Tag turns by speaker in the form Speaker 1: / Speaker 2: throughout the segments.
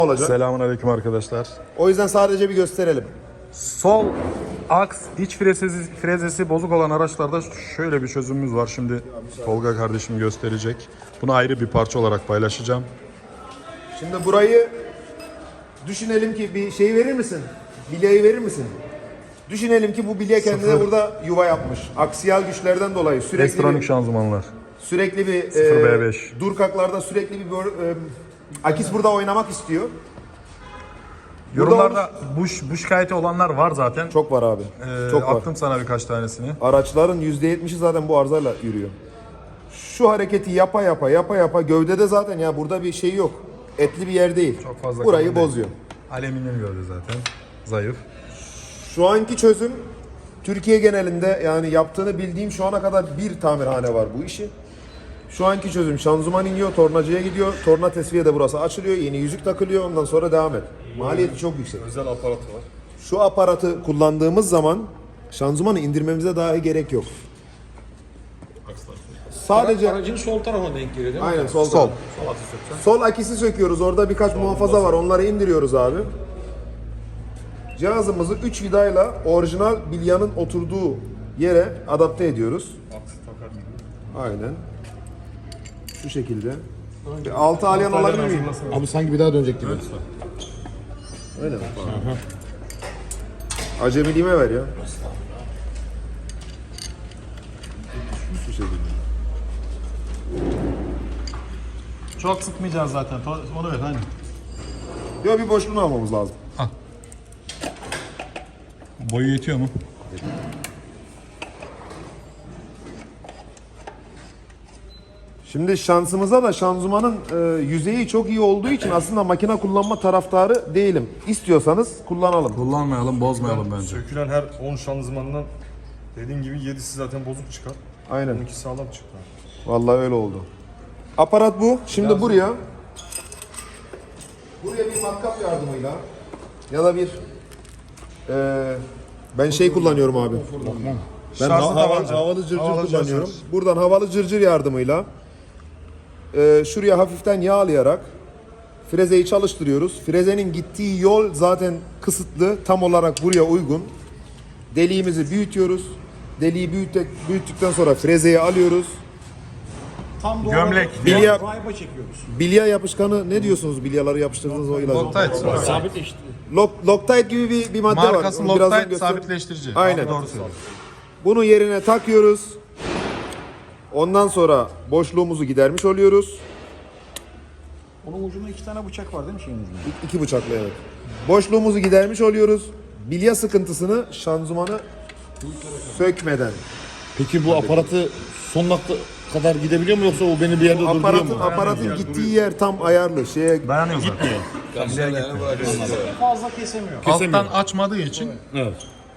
Speaker 1: olacak.
Speaker 2: Selamünaleyküm arkadaşlar.
Speaker 1: O yüzden sadece bir gösterelim.
Speaker 2: Sol aks iç frezesi bozuk olan araçlarda şöyle bir çözümümüz var. Şimdi Tolga kardeşim gösterecek. Bunu ayrı bir parça olarak paylaşacağım.
Speaker 1: Şimdi burayı düşünelim ki bir şey verir misin? Bilyayı verir misin? Düşünelim ki bu bilye kendine burada yuva yapmış. Aksiyal güçlerden dolayı
Speaker 2: Elektronik şanzımanlar.
Speaker 1: sürekli bir
Speaker 2: 0B5.
Speaker 1: durkaklarda sürekli bir akis burada oynamak istiyor.
Speaker 2: Yorumlarda bu şikayeti olanlar var zaten.
Speaker 1: Çok var abi. Çok var.
Speaker 2: Attım sana birkaç tanesini.
Speaker 1: Araçların %70'i zaten bu arızayla yürüyor. Şu hareketi yapa gövdede zaten ya burada bir şey yok. Etli bir yer değil.
Speaker 2: Çok fazla
Speaker 1: burayı
Speaker 2: kalın değil.
Speaker 1: bozuyor.
Speaker 2: Alüminyum gövde zaten. Zayıf.
Speaker 1: Şu anki çözüm Türkiye genelinde yani yaptığını bildiğim şu ana kadar bir tamirhane var bu işi. Şu anki çözüm şanzıman iniyor, tornacıya gidiyor. Torna tesviye de burası açılıyor. Yeni yüzük takılıyor. Ondan sonra devam et. Maliyeti çok yüksek.
Speaker 2: Özel aparatı var.
Speaker 1: Şu aparatı kullandığımız zaman şanzımanı indirmemize dahi gerek yok. Sadece
Speaker 3: Aracın sol tarafına denk geliyor değil mi?
Speaker 1: aynen sol akisi söküyoruz. Orada birkaç muhafaza var. Onları indiriyoruz abi. Cihazımızı 3 vidayla orijinal bilyanın oturduğu yere adapte ediyoruz. Aynen. Şu şekilde. Altı alyan olabilir miyim?
Speaker 3: Abi sanki bir daha dönecek gibi.
Speaker 1: Öyle mi? Acemiliğime ver ya. Şu şekilde.
Speaker 2: Çok sıkmayacağız zaten. Onu ver hani.
Speaker 1: Yok bir boşluğunu almamız lazım.
Speaker 2: Boyu yetiyor mu?
Speaker 1: Şimdi şansımıza da şanzımanın yüzeyi çok iyi olduğu için aslında makine kullanma taraftarı değilim. İstiyorsanız kullanalım.
Speaker 2: Kullanmayalım, bozmayalım bence.
Speaker 4: Sökülen her 10 şanzımandan dediğin gibi 7'si zaten bozuk çıkar.
Speaker 1: Aynen.
Speaker 4: 12 sağlam çıktı.
Speaker 1: Vallahi öyle oldu. Aparat bu. Şimdi buraya bir matkap yardımıyla ya da bir ben şey kullanıyorum abi. Ben
Speaker 2: Şarjlı tabanca.
Speaker 1: havalı cırcır
Speaker 2: Havalı
Speaker 1: kullanıyorum.
Speaker 2: cırcır.
Speaker 1: Buradan havalı cırcır yardımıyla şuraya hafiften yağlayarak frezeyi çalıştırıyoruz. Frezenin gittiği yol zaten kısıtlı. Tam olarak buraya uygun. Deliğimizi büyütüyoruz. Deliği büyüttükten sonra frezeyi alıyoruz.
Speaker 3: Tam bu
Speaker 2: Gömlek.
Speaker 1: Bilya,
Speaker 3: Rayba çekiyoruz.
Speaker 1: bilya yapışkanı ne diyorsunuz? Bilyaları yapıştırdığınız o ilacı.
Speaker 2: Loctite.
Speaker 3: Sabitleşti.
Speaker 1: Loctite gibi bir madde var.
Speaker 2: Markası
Speaker 1: Onu birazdan
Speaker 2: Loctite
Speaker 1: göster-
Speaker 2: sabitleştirici.
Speaker 1: Aynen.
Speaker 2: Abi doğru söylüyorsun.
Speaker 1: Bunu yerine takıyoruz. Ondan sonra boşluğumuzu gidermiş oluyoruz.
Speaker 3: Onun ucunda 2 tane bıçak var değil mi şeyin ucunda?
Speaker 1: İki bıçakla evet. Boşluğumuzu gidermiş oluyoruz. Bilya sıkıntısını şanzımanı sökmeden.
Speaker 5: Peki bu aparatı son nokta kadar gidebiliyor mu yoksa o beni bir yerde durduruyor mu?
Speaker 1: Aparatın gittiği yer tam ayarlı.
Speaker 2: Dayanıyor zaten.
Speaker 3: Fazla kesemiyor.
Speaker 2: Alttan açmadığı için
Speaker 5: Evet.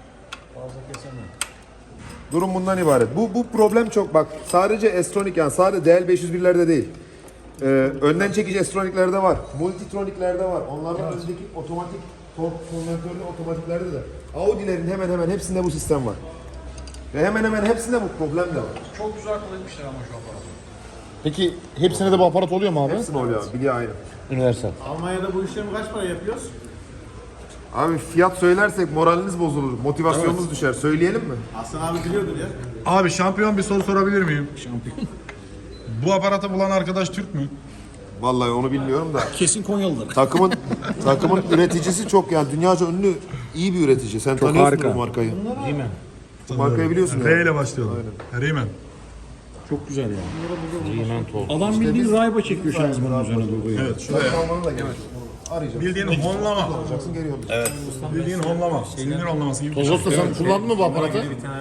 Speaker 1: Durum bundan ibaret. Bu problem çok bak sadece S-Tronic yani sadece DL501'lerde değil. Önden çekici S-Tronic'lerde var. Multitronic'lerde var. Onlardan önceki otomatik tork konvertörlü otomatiklerde de. Audi'lerin hemen hemen hepsinde bu sistem var. Ve hemen hemen hepsinde bu problem de var.
Speaker 3: Çok güzel kullanmışlar ama şu aparatı.
Speaker 5: Peki hepsine de bu aparat oluyor mu abi?
Speaker 1: Hepsinde oluyor abi. Bilye aynı.
Speaker 5: Universal.
Speaker 3: Almanya'da bu işlemi kaç para yapıyoruz?
Speaker 1: Abi fiyat söylersek moraliniz bozulur. Motivasyonunuz düşer. Söyleyelim mi?
Speaker 3: Aslan abi biliyordur ya.
Speaker 2: Abi şampiyon bir soru sorabilir miyim? Şampiyon. Bu aparatı bulan arkadaş Türk mü?
Speaker 1: Vallahi onu bilmiyorum da.
Speaker 3: Kesin Konyalıdır.
Speaker 1: Takımın üreticisi çok yani dünyaca ünlü iyi bir üretici. Sen tanıyorsun bu markayı.
Speaker 5: Değil mi?
Speaker 1: Bu markayı biliyorsun
Speaker 2: R
Speaker 1: yani.
Speaker 2: ile başlıyorlar. Riemann.
Speaker 3: Çok güzel ya.
Speaker 5: Riemann Tork.
Speaker 3: Adam bildiğin rayba çekiyor şanzımanın üzerine durduruyor.
Speaker 2: Evet şuraya.
Speaker 1: Almanı da gerek yok. Arayacağım.
Speaker 2: Bildiğin honlama.
Speaker 1: Alacaksın geri yollayacaksın.
Speaker 2: Bildiğin honlama. Sinir honlaması gibi.
Speaker 5: Toz Usta sen kullandın mı bu aparatı?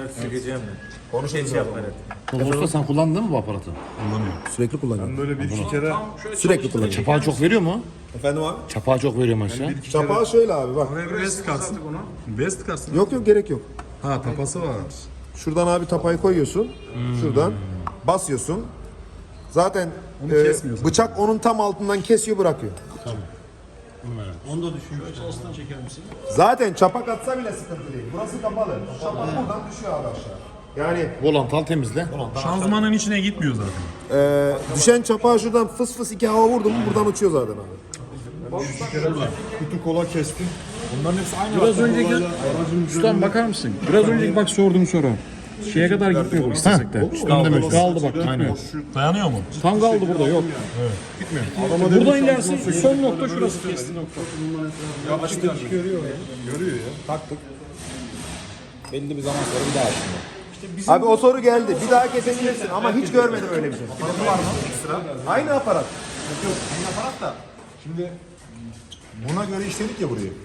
Speaker 5: Toz Usta sen kullandın mı bu aparatı?
Speaker 1: Sürekli kullanıyorum.
Speaker 4: Böyle bir iki kere
Speaker 1: Sürekli kullanıyorum.
Speaker 5: Çapağı çok veriyor mu?
Speaker 1: Efendim abi?
Speaker 5: Çapağı çok veriyor mu aşağı?
Speaker 1: Çapağı şöyle abi bak.
Speaker 2: Buraya bir vest kalsın. Vest kalsın.
Speaker 1: Yok gerek yok.
Speaker 2: Ha tapası var.
Speaker 1: Şuradan abi tapayı koyuyorsun. Şuradan basıyorsun. Zaten
Speaker 2: kesmiyor zaten.
Speaker 1: bıçak onun tam altından kesiyor bırakıyor.
Speaker 3: Onu da düşünüyor. Çalıştan çeker misin?
Speaker 1: Zaten çapak atsa bile sıkıntı değil. Burası kapalı. Çapak buradan düşüyor abi aşağı. Yani
Speaker 5: Volantal temizle.
Speaker 2: Şanzımanın içine gitmiyor zaten.
Speaker 1: düşen çapağı şuradan fıs fıs iki hava vurdu mu buradan uçuyor zaten abi.
Speaker 4: Kutu kola kestim.
Speaker 3: Bunların hepsi aynı. Biraz önceki ustam bakar mısın? Biraz önceki bak sorduğum soru. Şeye kadar gitmiyor bu istesek de. Kaldı bak gitmiyor.
Speaker 2: Dayanıyor mu?
Speaker 3: Tam kaldı burada yok. Gitmiyor. Buradan ilerisi son nokta şurası kesti nokta.
Speaker 4: Açtık görüyor ya. Görüyor ya.
Speaker 3: Taktık. Belli bir zaman sonra bir daha açtım.
Speaker 1: Abi o soru geldi. Bir daha kesebilirsin ama hiç görmedim öyle bir şey.
Speaker 3: Aparatı var mı? Ekstra.
Speaker 1: Aynı aparat.
Speaker 3: Yok aynı aparat da. Şimdi
Speaker 4: Buna göre işledik ya burayı.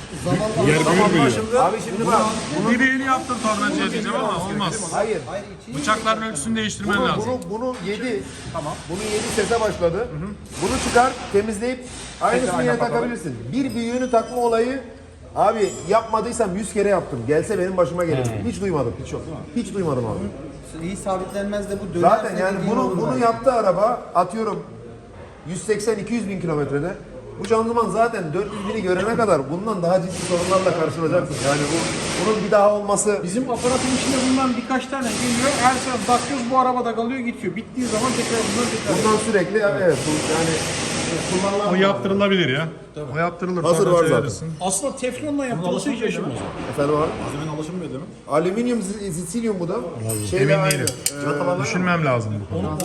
Speaker 1: Abi şimdi bak.
Speaker 2: Direğini yaptın tornacıya diyeceğim ama olmaz.
Speaker 1: Hayır.
Speaker 2: Bıçakların ölçüsünü değiştirmen lazım.
Speaker 1: Bunu 7. Tamam. Bunu 7 sese başladı. Bunu çıkar, temizleyip aynısını yine takabilirsin. Bir büyüğünü takma olayı abi yapmadıysam 100 kere yaptım. Gelse benim başıma gelir. Hiç duymadım. Hiç yok. Hiç duymadım abi.
Speaker 6: İyi sabitlenmez de bu dönerse
Speaker 1: Zaten yani
Speaker 6: dediğin olur
Speaker 1: bunu
Speaker 6: bence.
Speaker 1: yaptı araba atıyorum 180-200 bin kilometrede. Bu şanzıman zaten 400 bini görene kadar bundan daha ciddi sorunlarla karşılaşacaksın. Yani bunun bir daha olması
Speaker 3: bizim aparatın içinde bundan birkaç tane geliyor. Her sefer bakıyoruz bu arabada kalıyor gidiyor. Bittiği zaman tekrar
Speaker 1: bundan sürekli evet yani kullanılan
Speaker 2: O yaptırılabilir ya. O yaptırılır.
Speaker 1: Hazır
Speaker 2: sonra
Speaker 1: var
Speaker 2: şey
Speaker 1: zaten.
Speaker 2: verirsin.
Speaker 3: aslında teflonla yaptığımızı hiç yaşamaz.
Speaker 1: efendim abi.
Speaker 3: Malzemenin alışılmıyor değil mi?
Speaker 1: Alüminyum sililyum bu da. Şeyle
Speaker 2: Emin
Speaker 1: aynı.
Speaker 2: değilim. Düşünmem lazım bu konuda.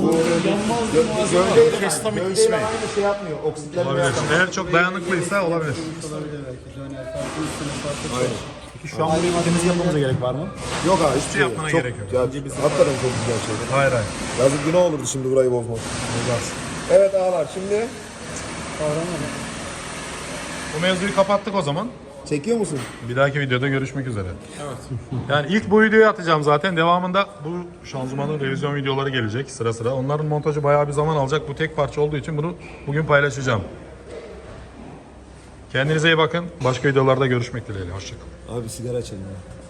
Speaker 1: Gövdeyle aynı şey yapmıyor. Oksitlenme
Speaker 2: Olabilir.
Speaker 1: yapmıyor.
Speaker 2: Eğer çok dayanıklıysa olabilir.
Speaker 3: Peki şu an burayı temiz yapmamıza gerek var mı?
Speaker 1: Yok abi hiçbir şey yok.
Speaker 2: yapmana
Speaker 1: Çok,
Speaker 2: gerek yok.
Speaker 1: ya, hakikaten çok güzel şey.
Speaker 2: Hayır hayır.
Speaker 1: Yazık günah olurdu şimdi burayı bozmak. Evet ağalar şimdi
Speaker 2: Bu mevzuyu kapattık o zaman.
Speaker 1: çekiyor musun?
Speaker 2: Bir dahaki videoda görüşmek üzere. Evet. Yani ilk bu videoyu atacağım zaten. Devamında bu şanzımanın revizyon videoları gelecek sıra sıra. Onların montajı bayağı bir zaman alacak. Bu tek parça olduğu için bunu bugün paylaşacağım. Kendinize iyi bakın. Başka videolarda görüşmek dileğiyle. Hoşçakalın.
Speaker 1: Abi sigara içelim ya.